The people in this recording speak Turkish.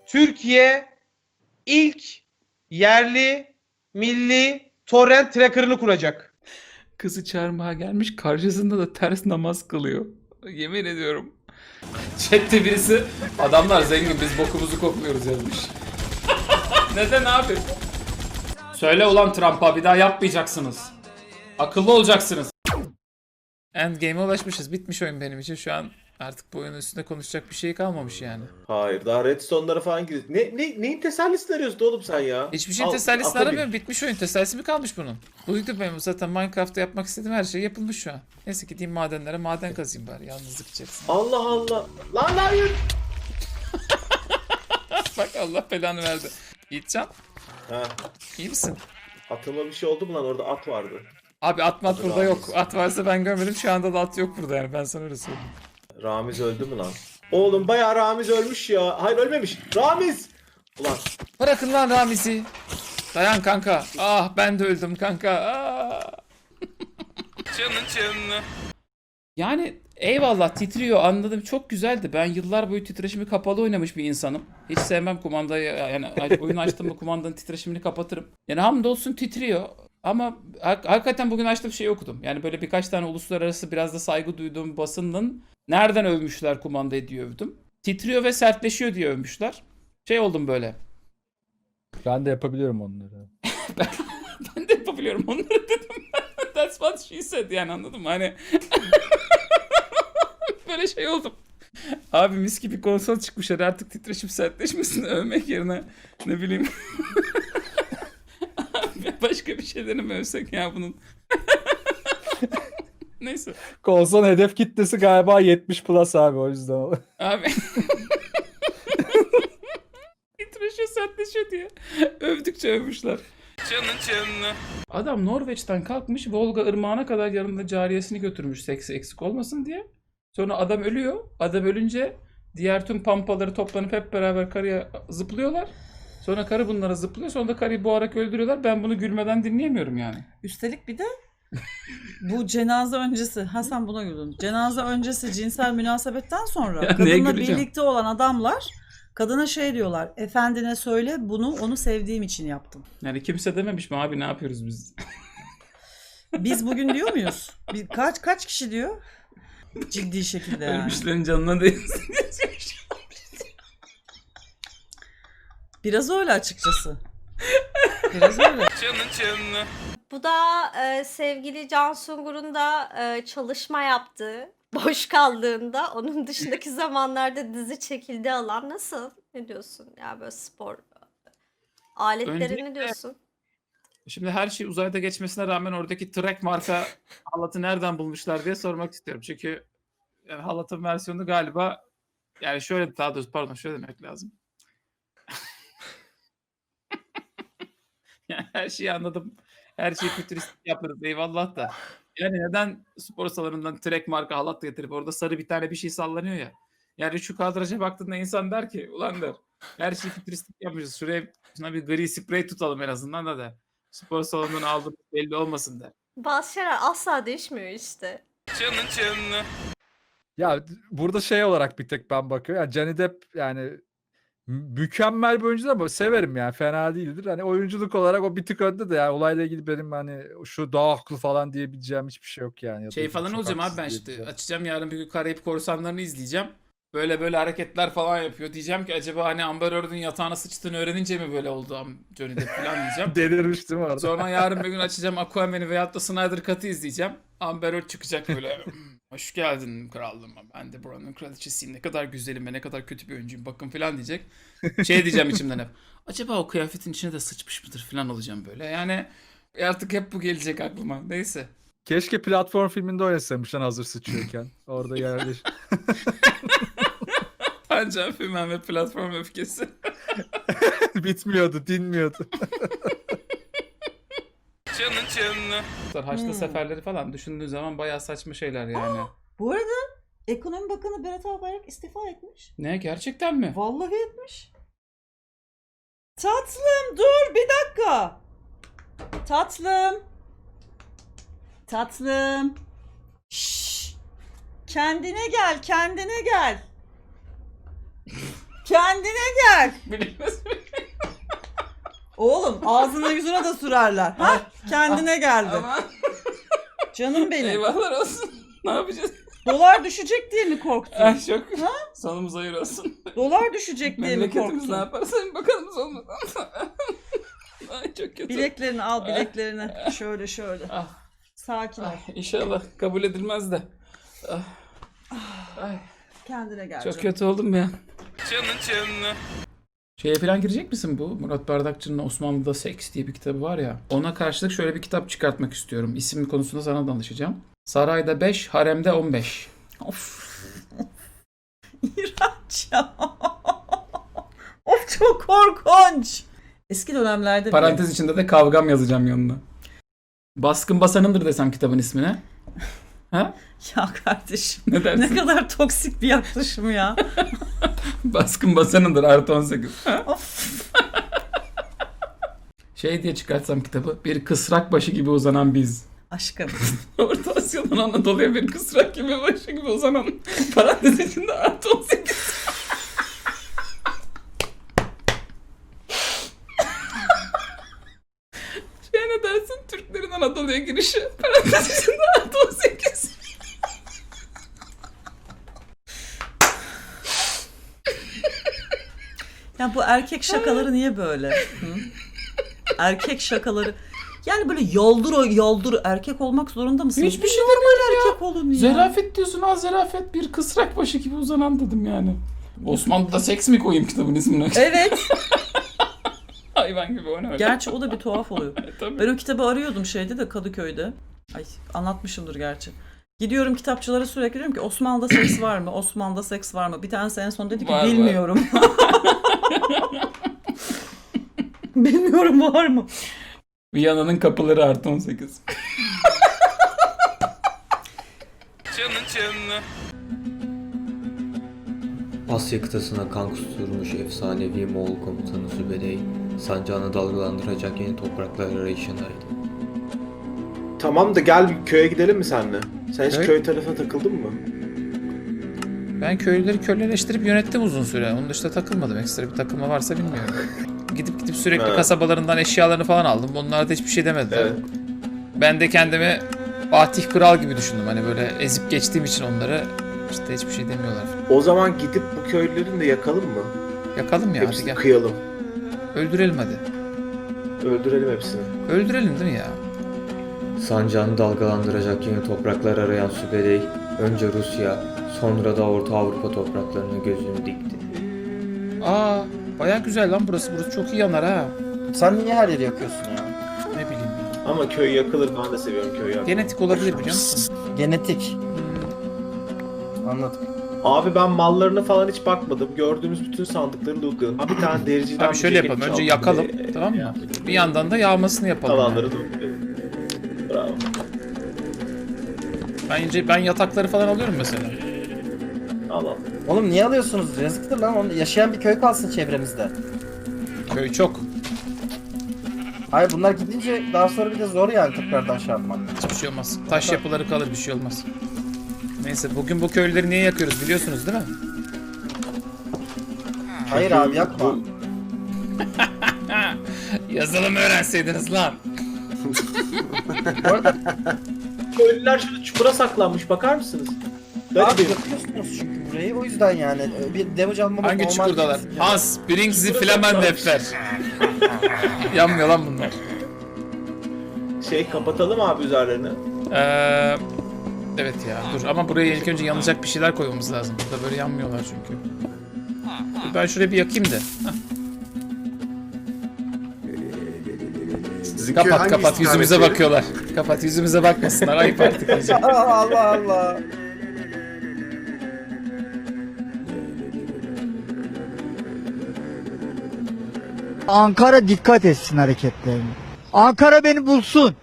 Türkiye ilk yerli milli torrent tracker'ını kuracak. Kızı çağırmaya gelmiş, karşısında da ters namaz kılıyor. Yemin ediyorum. Chat'te birisi adamlar zengin biz bokumuzu kokluyoruz yazmış. Neden abi? Söyle ulan Trump'a bir daha yapmayacaksınız. Akıllı olacaksınız. Endgame'e ulaşmışız. Bitmiş oyun benim için. Şu an artık bu oyunun üstünde konuşacak bir şey kalmamış yani. Hayır daha Redstone'lara falan gidiyor. Neyin tesellisini arıyorsun oğlum sen ya? Hiçbir şeyin Al, tesellisini ata bin. aramıyorum. Bitmiş oyun. Tesellisi mi kalmış bunun? Buydu benim zaten Minecraft'ta yapmak istediğim her şey yapılmış şu an. Neyse gideyim madenlere maden kazayım bari yalnızlık içerisinde. Allah Allah. Lan hayır. Bak Allah belanı verdi. Yiğitcan Ha, iyi misin? atıma bir şey oldu mu lan orada at vardı. Abi at mat Hadi burada Ramiz. yok. At varsa ben görmedim. Şu anda da at yok burada yani. Ben sana öyle söyleyeyim. Ramiz öldü mü lan? Oğlum bayağı Ramiz ölmüş ya. Hayır ölmemiş. Ramiz. Ulan Bırakın lan Ramiz'i. Dayan kanka. Ah ben de öldüm kanka. Ah. Yani eyvallah titriyor anladım çok güzeldi. Ben yıllar boyu titreşimi kapalı oynamış bir insanım. Hiç sevmem kumandayı yani oyunu açtım mı kumandanın titreşimini kapatırım. Yani hamdolsun titriyor. Ama hakikaten bugün açtığım şeyi okudum. Yani böyle birkaç tane uluslararası biraz da saygı duyduğum basının nereden övmüşler kumandayı diye övdüm. Titriyor ve sertleşiyor diye övmüşler. Şey oldum böyle. Ben de yapabiliyorum onları. Ben de yapabiliyorum onları dedim. That's what she said yani anladın mı? Hani böyle şey oldum. Abi mis gibi konsol çıkmış hadi artık titreşim sertleşmesini övmek yerine ne bileyim başka bir şeyleri mi övsek ya bunun. Neyse. Konsol hedef kitlesi galiba 70 plus abi o yüzden. Abi. Titreşiyor sertleşiyor diye. Övdükçe övmüşler. Adam Norveç'ten kalkmış Volga ırmağına kadar yanında cariyesini götürmüş seksi eksik olmasın diye. Sonra adam ölüyor. Adam ölünce diğer tüm pampaları toplanıp hep beraber karıya zıplıyorlar. Sonra karı bunlara zıplıyor. Sonra da karıyı boğarak öldürüyorlar. Ben bunu gülmeden dinleyemiyorum yani. Üstelik bir de bu cenaze öncesi, Hasan buna güldün. Cenaze öncesi cinsel münasebetten sonra Ya neye kadınla güleceğim? birlikte olan adamlar kadına şey diyorlar. Efendine söyle bunu onu sevdiğim için yaptım. Yani kimse dememiş mi abi ne yapıyoruz biz? Biz bugün diyor muyuz? Kaç kişi diyor? Ciddi şekilde yani. Ölmüşlerin canına değsin. Biraz öyle açıkçası. Biraz öyle. Bu da sevgili Can Sungur'un da çalışma yaptığı, boş kaldığında onun dışındaki zamanlarda dizi çekildiği alan nasıl? Ne diyorsun? Ya böyle spor aletleri Öncelikle- ne diyorsun? Şimdi her şey uzayda geçmesine rağmen oradaki Trek marka halatı nereden bulmuşlar diye sormak istiyorum. Çünkü yani halatın versiyonu galiba yani şöyle daha doğrusu pardon şöyle demek lazım. Yani her şeyi anladım. Her şeyi fütüristik yaparız eyvallah da. Yani neden spor salonundan Trek marka halat getirip orada sarı bir tane bir şey sallanıyor ya. Yani şu kadraja baktığında insan der ki ulan der her şeyi fütüristik yapmışız. Şuna bir gri sprey tutalım en azından da der. Spor salonundan aldığımız belli olmasın der. Bazı şeyler asla değişmiyor işte. Ya burada şey olarak bir tek ben bakıyorum. Yani Johnny Depp yani mükemmel bir oyuncu ama severim yani fena değildir. Hani oyunculuk olarak o bir tık önde de yani olayla ilgili benim hani şu daha haklı falan diyebileceğim hiçbir şey yok yani. Ya da Şey falan çok olacağım abi haksız ben işte diyebileceğim. açacağım yarın bir gün Karayip Korsanları'nı izleyeceğim. Böyle böyle hareketler falan yapıyor. Diyeceğim ki acaba hani Amber Heard'ın yatağına sıçtığını öğrenince mi böyle oldu Johnny Depp falan diyeceğim. Delirmiş değil mi orada? Sonra yarın bir gün açacağım Aquaman'i veyahut da Snyder Cut'ı izleyeceğim. Amber Heard çıkacak böyle. Hoş geldin krallığıma. Ben de buranın kraliçesiyim. Ne kadar güzelim ve ne kadar kötü bir oyuncuyum. Bakın falan diyecek. Şey diyeceğim içimden hep. Acaba o kıyafetin içine de sıçmış mıdır falan olacağım böyle. Yani artık hep bu gelecek aklıma. Neyse. Keşke platform filminde oynasamış lan hazır sıçıyorken. Orada yerleş. Pancar Fümen ve platform öfkesi. Bitmiyordu, dinmiyordu. Haçlı seferleri falan düşündüğün zaman bayağı saçma şeyler yani. Bu arada Ekonomi Bakanı Berat Albayrak istifa etmiş. Ne gerçekten mi? Vallahi etmiş. Tatlım dur bir dakika. Tatlım. Tatlım. Şşş. Kendine gel, kendine gel. Kendine gel. Bilinmez mi? Oğlum ağzına yüzüne de sürerler. Ha? Kendine geldi. Aman. Canım benim. Eyvallah olsun. Ne yapacağız? Dolar düşecek diye mi korktun? Ay çok. Sonumuz hayır olsun. Dolar düşecek diye mi Memleketimiz korktun? ne yaparsa bir bakalım olmadan. Ay çok kötü. Bileklerini al bileklerini. Şöyle şöyle. Ah. Sakin ol. Ay, İnşallah kabul edilmez de. Ah. Ay, Kendine gel çok canım. kötü oldum ya. Canın. Şeye falan girecek misin bu? Murat Bardakçı'nın Osmanlı'da Seks diye bir kitabı var ya. Ona karşılık şöyle bir kitap çıkartmak istiyorum. İsim konusunda sana danışacağım. Sarayda 5, haremde 15. Of. İğrenç ya. Of çok korkunç. Eski dönemlerde bile. Parantez içinde de kavgam yazacağım yanına. Baskın Basanındır desem kitabın ismine. Ha? Ya kardeşim. Ne dersin? Ne kadar toksik bir yaklaşım ya. Baskın Basanındır artı 18. Of. Şey diye çıkartsam kitabı. Bir kısrak başı gibi uzanan biz. Aşkım. Orta Asya'dan Anadolu'ya bir kısrak gibi başı gibi uzanan parantez içinde artı 18. Şey ne dersin? Türklerin Anadolu'ya girişi parantez içinde artı 18. Ya bu erkek şakaları niye böyle? Hı? Erkek şakaları. Yani böyle yoldur erkek olmak zorunda mısın? Hiçbir şey normal demiyorum ya. erkek olun ya. Zerafet diyorsun ha, zerafet, bir kısrak başı gibi uzanan dedim yani. Osmanlı'da seks mi koyayım kitabın ismine? Evet. Hayvan gibi o ne öyle? Gerçi o da bir tuhaf oluyor. Tabii. Ben o kitabı arıyordum şeyde de Kadıköy'de. Ay anlatmışımdır gerçi. Gidiyorum kitapçılara sürekli diyorum ki Osmanlı'da seks var mı? Osmanlı'da seks var mı? Bir tanesi en son dedi ki Var, var. bilmiyorum. Bilmiyorum var mı? Viyana'nın kapıları artı 18. Asya kıtasına kan kusturmuş efsanevi Moğol komutanı Zübedey, sancağını dalgalandıracak yeni topraklar arayışındaydı. Tamam da gel bir köye gidelim mi seninle? Sen hiç Köy? köy tarafına takıldın mı? Ben köylüleri köleleştirip yönettim uzun süre. Onun dışında takılmadım. Ekstra bir takılma varsa bilmiyorum. Gidip sürekli Evet. kasabalarından eşyalarını falan aldım. Onlar da hiçbir şey demediler. Evet. Ben de kendimi Fatih Kral gibi düşündüm. Hani böyle ezip geçtiğim için onları işte hiçbir şey demiyorlar. O zaman gidip bu köylülerini de yakalım mı? Yakalım ya hadi Hepsini gel. kıyalım. Öldürelim hadi. Öldürelim hepsini. Öldürelim değil mi ya? Sancağını dalgalandıracak yeni topraklar arayan Zübedey, önce Rusya, sonra da Orta Avrupa topraklarına gözünü dikti. Aa, baya güzel lan burası. Burası çok iyi yanar ha. Sen niye her yeri yakıyorsun ya? Ne bileyim ya. Ama köy yakılır, ben de seviyorum köyü yakmayı. Genetik olabilir biliyor musun? Genetik. Anladım. Abi ben mallarına falan hiç bakmadım. Gördüğümüz bütün sandıkları lootladım. Abi bir tane dericiden Abi bir şöyle ceket yapalım. Önce çaldım. yakalım. Bir de, Tamam mı? ya, Bir yandan da yağmasını yapalım. kalanları yani. lootladım. Bravo. Ben yatakları falan alıyorum mesela. Al al. Oğlum niye alıyorsunuz? Yazıktır lan. Yaşayan bir köy kalsın çevremizde. Köy çok. Hayır bunlar gidince daha sonra bir de zor yani tekrardan şey yapmak. Hiçbir şey olmaz. Taş yapıları kalır, bir şey olmaz. Neyse bugün bu köylüleri niye yakıyoruz biliyorsunuz değil mi? Hayır abi yakma. Yazılım öğrenseydiniz lan. Bu arada Köylüler şurada çukura saklanmış, bakar mısınız? abi Garibim. yakıyorsunuz çünkü burayı o yüzden yani bir damage almamız Hangi normal çukurdalar? değil. Hans, bring the Flammenwerfer. Yanmıyor lan bunlar. Kapatalım abi üzerlerini. Evet ya dur ama buraya ilk önce yanacak bir şeyler koymamız lazım. Burada böyle yanmıyorlar çünkü. Dur ben şuraya bir yakayım da. Hah. Kapat yüzümüze bakıyorlar. Kapat yüzümüze bakmasınlar ayıp artık iyice. Allah Allah. Ankara dikkat etsin hareketlerine. Ankara beni bulsun.